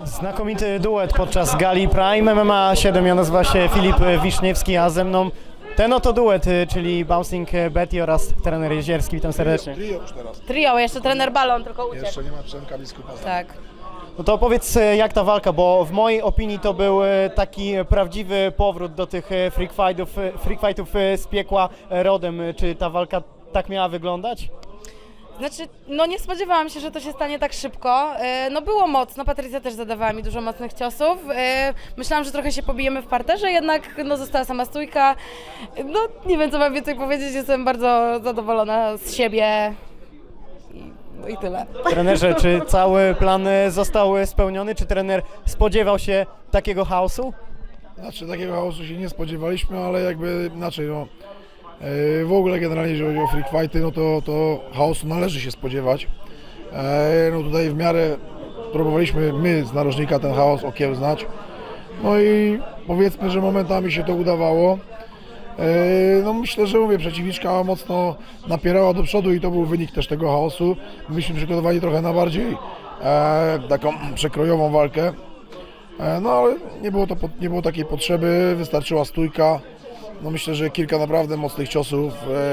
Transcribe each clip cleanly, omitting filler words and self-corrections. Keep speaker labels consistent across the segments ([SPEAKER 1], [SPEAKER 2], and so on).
[SPEAKER 1] Znakomity duet podczas gali Prime MMA 7. Ja nazywam się Filip Wiszniewski, a ze mną ten oto duet, czyli Bouncing Betty oraz trener Jezierski. Witam serdecznie.
[SPEAKER 2] Trio już teraz.
[SPEAKER 3] Trio, jeszcze trener Balon, tylko uciekł.
[SPEAKER 2] Jeszcze nie ma Przemka Biskupa.
[SPEAKER 3] Tak.
[SPEAKER 1] No to opowiedz, jak ta walka, bo w mojej opinii to był taki prawdziwy powrót do tych freak fightów z piekła rodem. Czy ta walka tak miała wyglądać?
[SPEAKER 3] Znaczy, no nie spodziewałam się, że to się stanie tak szybko. No było mocno, Patrycja też zadawała mi dużo mocnych ciosów. Myślałam, że trochę się pobijemy w parterze, jednak no, została sama stójka. No nie wiem, co mam więcej powiedzieć, jestem bardzo zadowolona z siebie. No i tyle.
[SPEAKER 1] Trenerze, czy cały plan został spełniony? Czy trener spodziewał się takiego chaosu?
[SPEAKER 2] Znaczy takiego chaosu się nie spodziewaliśmy, ale jakby inaczej, no. W ogóle generalnie jeżeli chodzi o freak fighty, no to chaosu należy się spodziewać. No tutaj w miarę próbowaliśmy my z narożnika ten chaos okiełznać. No i powiedzmy, że momentami się to udawało. No myślę, że mówię, przeciwniczka mocno napierała do przodu i to był wynik też tego chaosu. Myśmy przygotowali trochę na bardziej taką przekrojową walkę. No ale nie było takiej potrzeby, wystarczyła stójka. No myślę, że kilka naprawdę mocnych ciosów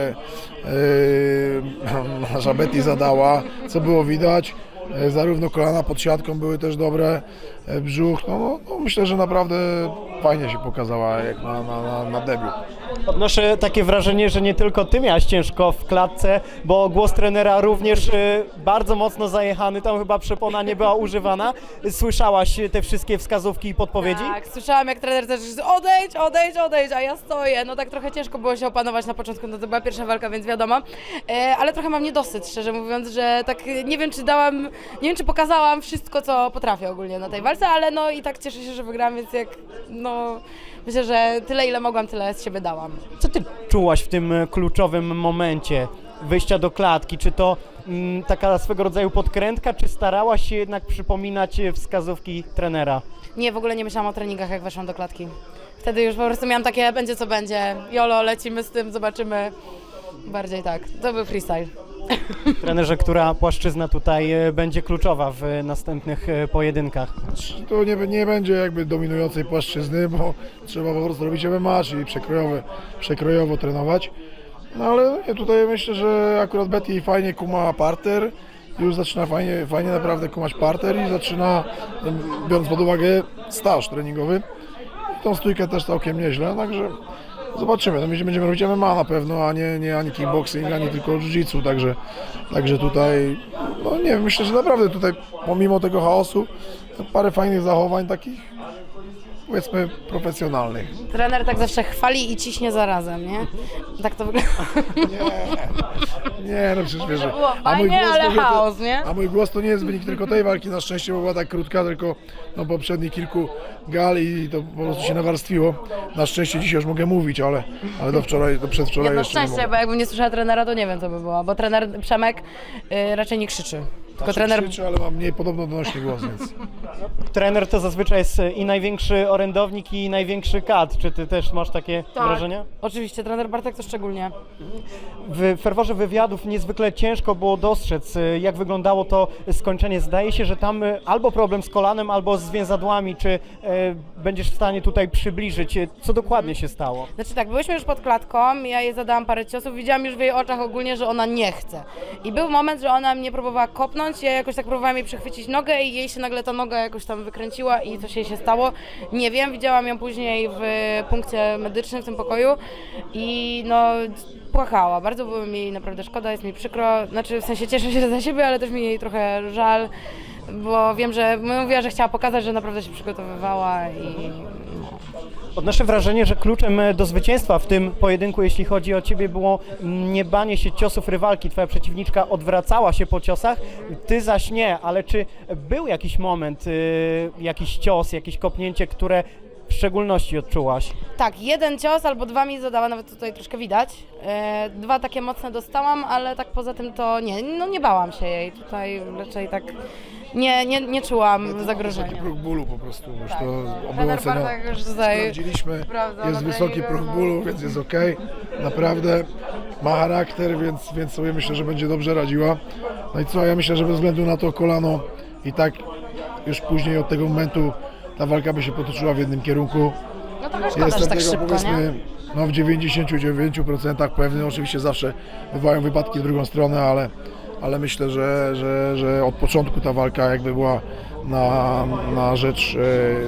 [SPEAKER 2] nasza Betty zadała, co było widać. Zarówno kolana pod siatką były też dobre, brzuch. No myślę, że naprawdę fajnie się pokazała jak na debiut.
[SPEAKER 1] Odnoszę takie wrażenie, że nie tylko ty miałeś ciężko w klatce, bo głos trenera również bardzo mocno zajechany, tam chyba przepona nie była używana. Słyszałaś te wszystkie wskazówki i podpowiedzi?
[SPEAKER 3] Tak, słyszałam jak trener też odejdź, a ja stoję. No tak trochę ciężko było się opanować na początku, no to była pierwsza walka, więc wiadomo. Ale trochę mam niedosyt, szczerze mówiąc, że tak nie wiem czy pokazałam wszystko, co potrafię ogólnie na tej walce, ale no i tak cieszę się, że wygrałam, więc myślę, że tyle ile mogłam, tyle z siebie dałam.
[SPEAKER 1] Co ty czułaś w tym kluczowym momencie wyjścia do klatki? Czy to taka swego rodzaju podkrętka, czy starałaś się jednak przypominać wskazówki trenera?
[SPEAKER 3] Nie, w ogóle nie myślałam o treningach, jak weszłam do klatki. Wtedy już po prostu miałam takie, będzie co będzie, jolo, lecimy z tym, zobaczymy. Bardziej tak, to był freestyle.
[SPEAKER 1] Trenerze, która płaszczyzna tutaj będzie kluczowa w następnych pojedynkach?
[SPEAKER 2] To nie będzie jakby dominującej płaszczyzny, bo trzeba po prostu robić MMA, czyli przekrojowo trenować. No ale tutaj myślę, że akurat Betty fajnie kuma parter, już zaczyna fajnie naprawdę kumać parter i zaczyna, biorąc pod uwagę staż treningowy, tą stójkę też całkiem nieźle, także zobaczymy. No my będziemy robić MMA na pewno, a nie ani kickboxing, ani tylko jiu-jitsu, także tutaj, no nie wiem, myślę, że naprawdę tutaj pomimo tego chaosu parę fajnych zachowań takich, powiedzmy, profesjonalnych.
[SPEAKER 3] Trener tak zawsze chwali i ciśnie zarazem, nie? Tak to wygląda.
[SPEAKER 2] Nie, no przecież wiesz,
[SPEAKER 3] Było fajnie, ale chaos, nie?
[SPEAKER 2] A mój głos to nie jest wynik tylko tej walki, na szczęście, bo była tak krótka, tylko no, poprzednich kilku gal i to po prostu się nawarstwiło. Na szczęście dzisiaj już mogę mówić, ale do przedwczoraj
[SPEAKER 3] Jedno
[SPEAKER 2] jeszcze nie
[SPEAKER 3] szczęście,
[SPEAKER 2] mogę.
[SPEAKER 3] bo jakbym nie słyszała trenera, to nie wiem co by było, bo trener Przemek raczej nie krzyczy. Tylko trener...
[SPEAKER 2] Krzyczy, ale mam mniej podobno donośny głos, więc...
[SPEAKER 1] Trener to zazwyczaj jest i największy orędownik, i największy kat. Czy ty też masz takie wrażenia?
[SPEAKER 3] Oczywiście, trener Bartek to szczególnie.
[SPEAKER 1] W ferworze wywiadów niezwykle ciężko było dostrzec, jak wyglądało to skończenie. Zdaje się, że tam albo problem z kolanem, albo z więzadłami. Czy będziesz w stanie tutaj przybliżyć, co dokładnie się stało?
[SPEAKER 3] Znaczy tak, byłyśmy już pod klatką, ja jej zadałam parę ciosów, widziałam już w jej oczach ogólnie, że ona nie chce. I był moment, że ona mnie próbowała kopnąć, ja jakoś tak próbowałam jej przechwycić nogę i jej się nagle ta noga jakoś tam wykręciła i coś jej się stało. Nie wiem, widziałam ją później w punkcie medycznym w tym pokoju i no płakała. Bardzo było mi jej naprawdę szkoda, jest mi przykro, znaczy w sensie cieszę się za siebie, ale też mi jej trochę żal, bo wiem, że mówiła, że chciała pokazać, że naprawdę się przygotowywała i
[SPEAKER 1] Odnoszę wrażenie, że kluczem do zwycięstwa w tym pojedynku, jeśli chodzi o ciebie, było nie banie się ciosów rywalki. Twoja przeciwniczka odwracała się po ciosach, ty zaś nie, ale czy był jakiś moment, jakiś cios, jakieś kopnięcie, które w szczególności odczułaś?
[SPEAKER 3] Tak, jeden cios albo dwa mi zadała, nawet tutaj troszkę widać. Dwa takie mocne dostałam, ale tak poza tym to nie, no nie bałam się jej. Tutaj raczej tak nie czułam zagrożenia.
[SPEAKER 2] Wysoki próg bólu po prostu, już
[SPEAKER 3] Tak.
[SPEAKER 2] to było
[SPEAKER 3] Trener
[SPEAKER 2] ocenione.
[SPEAKER 3] Bartek już tutaj
[SPEAKER 2] Sprawdziliśmy,
[SPEAKER 3] sprawdza
[SPEAKER 2] jest
[SPEAKER 3] na
[SPEAKER 2] wysoki
[SPEAKER 3] treningu,
[SPEAKER 2] próg
[SPEAKER 3] no.
[SPEAKER 2] bólu, więc jest okej. Naprawdę ma charakter, więc sobie myślę, że będzie dobrze radziła. No i co, ja myślę, że bez względu na to kolano i tak już później od tego momentu ta walka by się potoczyła w jednym kierunku.
[SPEAKER 3] No trochę szkoda, że
[SPEAKER 2] Jestem
[SPEAKER 3] tak
[SPEAKER 2] tego,
[SPEAKER 3] szybko, nie?
[SPEAKER 2] powiedzmy, no w 99% pewny. Oczywiście zawsze bywają wypadki w drugą stronę, ale myślę, że od początku ta walka jakby była na rzecz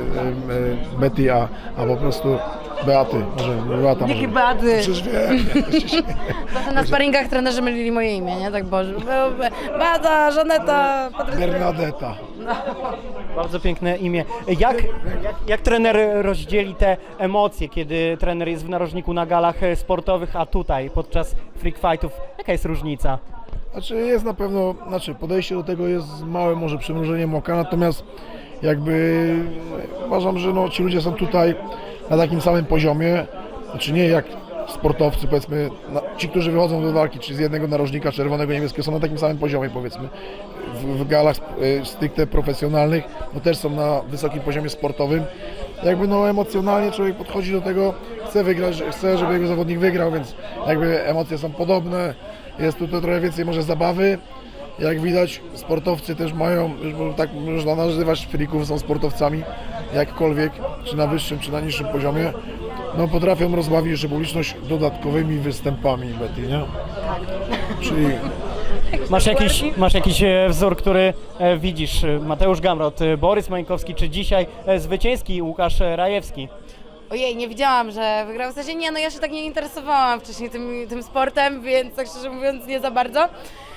[SPEAKER 2] Betty, a po prostu Beaty. Może Beata.
[SPEAKER 3] Jakie Beaty?
[SPEAKER 2] Przecież wiem.
[SPEAKER 3] Zawsze na sparingach trenerzy mylili moje imię, nie? Tak Boże. Beata, Żaneta, Patrycja.
[SPEAKER 2] Bernadetta.
[SPEAKER 1] Bardzo piękne imię. Jak trener rozdzieli te emocje, kiedy trener jest w narożniku na galach sportowych, a tutaj podczas freak fightów? Jaka jest różnica?
[SPEAKER 2] Znaczy jest na pewno, podejście do tego jest z małym może przymrużeniem oka, natomiast jakby uważam, że no, ci ludzie są tutaj na takim samym poziomie, znaczy nie jak sportowcy, powiedzmy, ci, którzy wychodzą do walki, czy z jednego narożnika czerwonego, niebieskiego, są na takim samym poziomie, powiedzmy, w galach stricte profesjonalnych, no też są na wysokim poziomie sportowym. Jakby no emocjonalnie człowiek podchodzi do tego, chce wygrać, chce, żeby jego zawodnik wygrał, więc jakby emocje są podobne, jest tutaj trochę więcej może zabawy. Jak widać, sportowcy też mają, już tak można nazywać frików, są sportowcami, jakkolwiek, czy na wyższym, czy na niższym poziomie, no potrafią rozbawić jeszcze publiczność dodatkowymi występami, Betty, nie? Czyli
[SPEAKER 1] Masz jakiś wzór, który widzisz? Mateusz Gamrot, Borys Mańkowski, czy dzisiaj zwycięski Łukasz Rajewski?
[SPEAKER 3] Ojej, nie widziałam, że wygrał. W sensie nie, no ja się tak nie interesowałam wcześniej tym sportem, więc tak szczerze mówiąc nie za bardzo.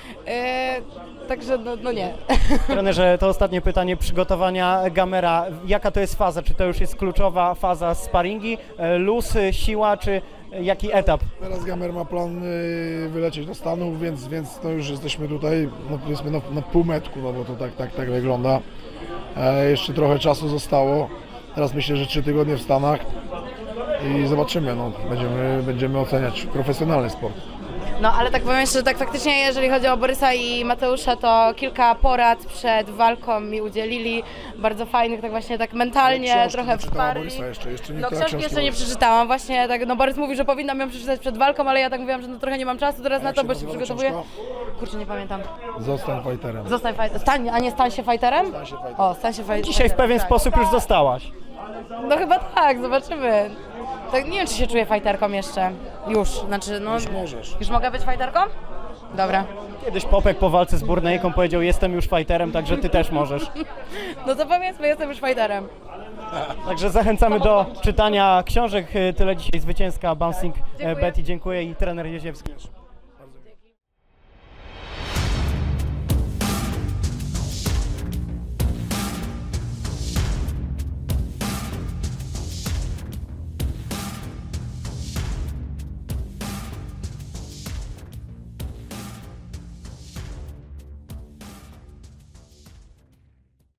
[SPEAKER 3] Także no nie.
[SPEAKER 1] Trenerze, to ostatnie pytanie przygotowania Gamera. Jaka to jest faza? Czy to już jest kluczowa faza sparingi, luz, siła, czy jaki etap?
[SPEAKER 2] teraz Gamer ma plan wylecieć do Stanów, więc to już jesteśmy tutaj, no powiedzmy na półmetku, no bo to tak wygląda. Jeszcze trochę czasu zostało. Teraz myślę, że 3 tygodnie w Stanach i zobaczymy, no, będziemy oceniać profesjonalny sport.
[SPEAKER 3] No ale tak powiem jeszcze, że tak faktycznie jeżeli chodzi o Borysa i Mateusza, to kilka porad przed walką mi udzielili, bardzo fajnych, tak właśnie tak mentalnie,
[SPEAKER 2] Książki
[SPEAKER 3] trochę
[SPEAKER 2] nie czytała
[SPEAKER 3] wsparli.
[SPEAKER 2] Borysa jeszcze nie
[SPEAKER 3] No
[SPEAKER 2] czytała
[SPEAKER 3] książki jeszcze nie przeczytałam, właśnie tak, no Borys mówi, że powinnam ją przeczytać przed walką, ale ja tak mówiłam, że no trochę nie mam czasu teraz na
[SPEAKER 2] Jak
[SPEAKER 3] to,
[SPEAKER 2] się
[SPEAKER 3] bo się
[SPEAKER 2] nazywa
[SPEAKER 3] przygotowuję.
[SPEAKER 2] książka?
[SPEAKER 3] Kurczę, nie pamiętam.
[SPEAKER 2] Zostań fighterem.
[SPEAKER 3] Zostań fighterem, a nie stań się fighterem?
[SPEAKER 2] Stań się fighterem.
[SPEAKER 3] O, stań się fighterem.
[SPEAKER 1] Dzisiaj w pewien
[SPEAKER 3] tak.
[SPEAKER 1] sposób już zostałaś.
[SPEAKER 3] No chyba tak, zobaczymy. Tak, nie wiem, czy się czuję fighterką jeszcze. Już, znaczy no...
[SPEAKER 2] Już możesz.
[SPEAKER 3] Już mogę być fighterką? Dobra.
[SPEAKER 1] Kiedyś Popek po walce z Burnejką powiedział: jestem już fighterem, także ty też możesz.
[SPEAKER 3] No to powiedzmy, jestem już fighterem.
[SPEAKER 1] Także zachęcamy do czytania książek. Tyle dzisiaj zwycięska Bouncing
[SPEAKER 3] Dziękuję.
[SPEAKER 1] Betty. Dziękuję i trener Jeziewski.